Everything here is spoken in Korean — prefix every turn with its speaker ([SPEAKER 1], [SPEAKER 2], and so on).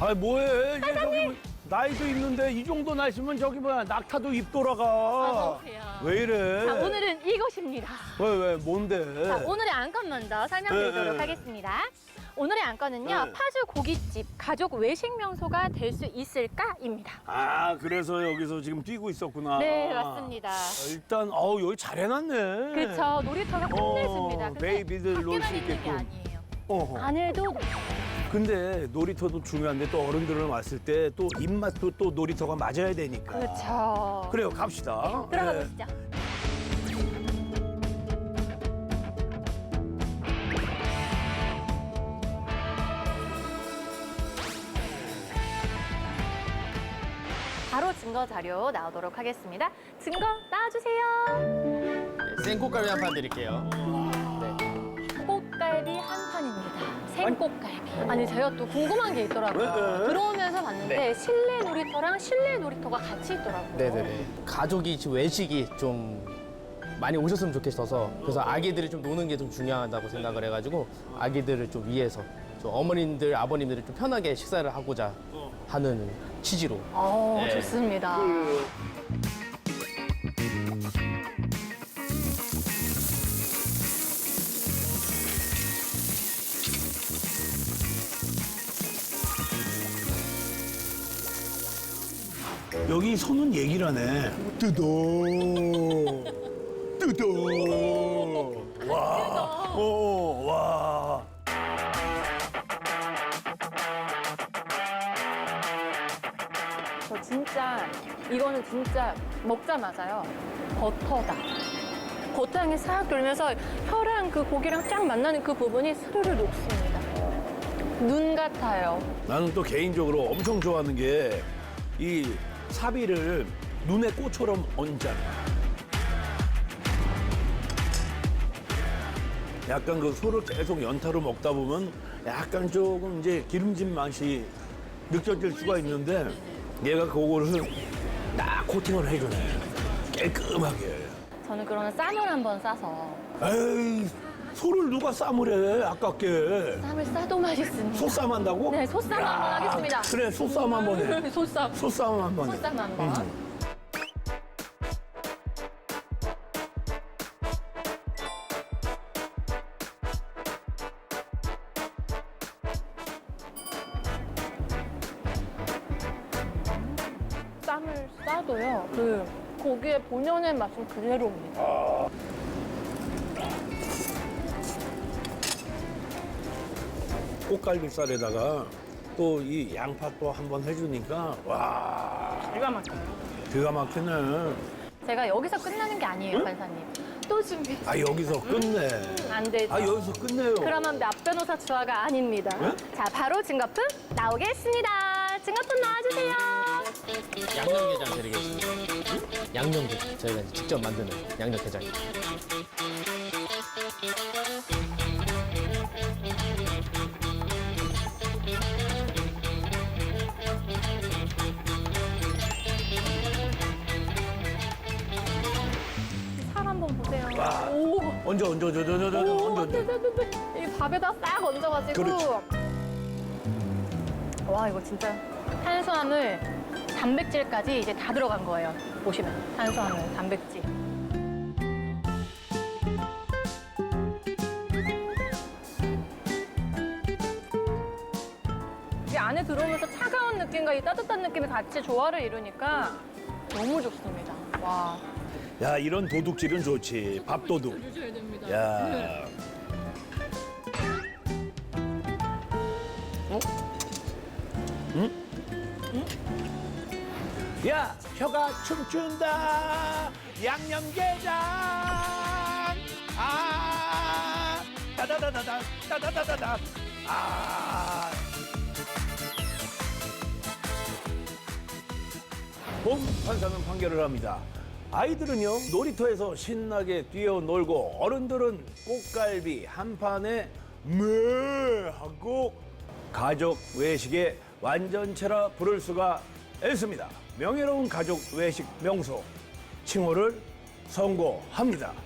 [SPEAKER 1] 아 뭐해? 이제 저기 뭐 나이도 있는데 이 정도 날씨면 저기 뭐야 낙타도 입 돌아가.
[SPEAKER 2] 너무 귀여워.
[SPEAKER 1] 왜 이래?
[SPEAKER 2] 자, 오늘은 이것입니다.
[SPEAKER 1] 왜 뭔데?
[SPEAKER 2] 자, 오늘의 안건 먼저 설명드리도록
[SPEAKER 1] 네.
[SPEAKER 2] 하겠습니다. 오늘의 안건은요,
[SPEAKER 1] 네.
[SPEAKER 2] 파주 고깃집 가족 외식 명소가 될 수 있을까입니다.
[SPEAKER 1] 아 그래서 여기서 지금 뛰고 있었구나.
[SPEAKER 2] 네, 맞습니다.
[SPEAKER 1] 일단 여기 잘 해놨네.
[SPEAKER 2] 그렇죠. 놀이터가 끝내줍니다. 근데
[SPEAKER 1] 베이비들 놀 수
[SPEAKER 2] 밖에만 있는 게
[SPEAKER 1] 있게끔.
[SPEAKER 2] 아니에요.
[SPEAKER 1] 어허.
[SPEAKER 2] 안에도
[SPEAKER 1] 근데 놀이터도 중요한데 또 어른들은 왔을 때 또 입맛도 또 놀이터가 맞아야 되니까.
[SPEAKER 2] 그렇죠.
[SPEAKER 1] 그래요, 갑시다.
[SPEAKER 2] 들어가
[SPEAKER 1] 네.
[SPEAKER 2] 보시죠. 바로 증거 자료 나오도록 하겠습니다. 증거 나와주세요.
[SPEAKER 3] 생꽃갈비 한 판 드릴게요.
[SPEAKER 2] 꽃갈비 한 판입니다. 생꽃갈비. 아니 제가 또 궁금한 게 있더라고요.
[SPEAKER 1] 네.
[SPEAKER 2] 들어오면서 봤는데
[SPEAKER 3] 네.
[SPEAKER 2] 실내 놀이터랑 실내 놀이터가 같이 있더라고요.
[SPEAKER 3] 네네네. 가족이 지금 외식이 좀 많이 오셨으면 좋겠어서 그래서 아기들이 좀 노는 게 좀 중요하다고 생각을 해가지고 아기들을 좀 위해서 좀 어머님들, 아버님들이 좀 편하게 식사를 하고자 하는 취지로. 네.
[SPEAKER 2] 좋습니다.
[SPEAKER 1] 여기 손은 얘기를 하네. 뜯어. 뜯어. 와. 와.
[SPEAKER 2] 저 진짜 이거는 진짜 먹자마자요. 버터다. 버터향이 싹 돌면서 혀랑 그 고기랑 쫙 만나는 그 부분이 스르르 녹습니다. 눈 같아요.
[SPEAKER 1] 나는 또 개인적으로 엄청 좋아하는 게 이 사비를 눈에 꽃처럼 얹잖아. 약간 그 소를 계속 연타로 먹다 보면 약간 조금 이제 기름진 맛이 느껴질 수가 있는데 얘가 그거를 딱 코팅을 해주네. 깔끔하게.
[SPEAKER 2] 저는 그러면 쌈을 한번 싸서
[SPEAKER 1] 에이, 소를 누가 쌈을 해, 아깝게.
[SPEAKER 2] 쌈을 싸도 맛있습니다.
[SPEAKER 1] 소쌈 한다고?
[SPEAKER 2] 네, 소쌈 한번 하겠습니다.
[SPEAKER 1] 그래, 소쌈 한번 해.
[SPEAKER 2] 소쌈.
[SPEAKER 1] 소쌈 한번 해.
[SPEAKER 2] 소쌈 한번. 쌈을 싸도요. 그 고기의 본연의 맛은 그대로입니다.
[SPEAKER 1] 꽃갈비살에다가 또 이 양파 또 한번 해주니까 와
[SPEAKER 2] 기가 막혀요.
[SPEAKER 1] 기가 막히네.
[SPEAKER 2] 제가 여기서 끝나는 게 아니에요, 판사님. 또 준비.
[SPEAKER 1] 아 여기서 끝내.
[SPEAKER 2] 안 되죠.
[SPEAKER 1] 아 여기서 끝내요.
[SPEAKER 2] 그러면 몇 변호사 추하가 아닙니다.
[SPEAKER 1] 네?
[SPEAKER 2] 자, 바로 증거품 나오겠습니다. 증거품 나와주세요.
[SPEAKER 3] 양념게장 드리겠습니다. 양념게장. 저희가 이제 직접 만드는 양념게장.
[SPEAKER 2] 살 한번 보세요.
[SPEAKER 1] 와.
[SPEAKER 2] 오.
[SPEAKER 1] 얹어 얹어 얹어 얹어 얹어
[SPEAKER 2] 오,
[SPEAKER 1] 얹어.
[SPEAKER 2] 네. 이 밥에다 싹 얹어가지고.
[SPEAKER 1] 그렇지.
[SPEAKER 2] 와, 이거 진짜 탄수화물, 단백질까지 이제 다 들어간 거예요. 보시면 탄수화물, 단백질. 이 안에 들어오면서 차가운 느낌과 이 따뜻한 느낌이 같이 조화를 이루니까 너무 좋습니다. 와.
[SPEAKER 1] 야 이런 도둑질은 좋지. 밥도둑.
[SPEAKER 2] 주셔야 됩니다.
[SPEAKER 1] 야. 어? 응? 야 혀가 춤춘다. 양념게장. 아. 따다다다다 따다다다다. 아. 봄 판사는 판결을 합니다. 아이들은요 놀이터에서 신나게 뛰어놀고 어른들은 꽃갈비 한 판에 매 하고 가족 외식의 완전체라 부를 수가 있습니다. 명예로운 가족 외식 명소 칭호를 선고합니다.